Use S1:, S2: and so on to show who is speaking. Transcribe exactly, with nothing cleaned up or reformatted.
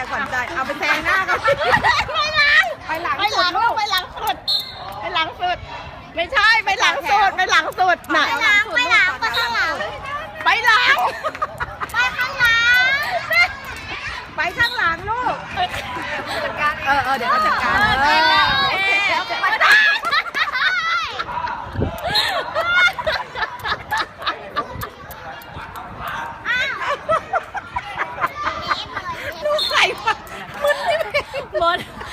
S1: ขวัญใจเอาไปแซงหน้ากัน
S2: ไปหลัง
S1: ไปหลัง
S2: ไปหลังลูกไปหลังสุดไปหลังสุดไม่ใช่ไปหลังสุดไปหลังสุดน่ะ
S3: ไปหลังไปหลังไปข้างหลัง
S2: ไปหลัง
S3: ไปข้างหลัง
S1: ไปข้างหลังลูกเออเออเดี๋ยวเขาจัดการเออโอเค
S3: ไปได้
S1: ลูกไข่ปะมึนนี่
S2: หมด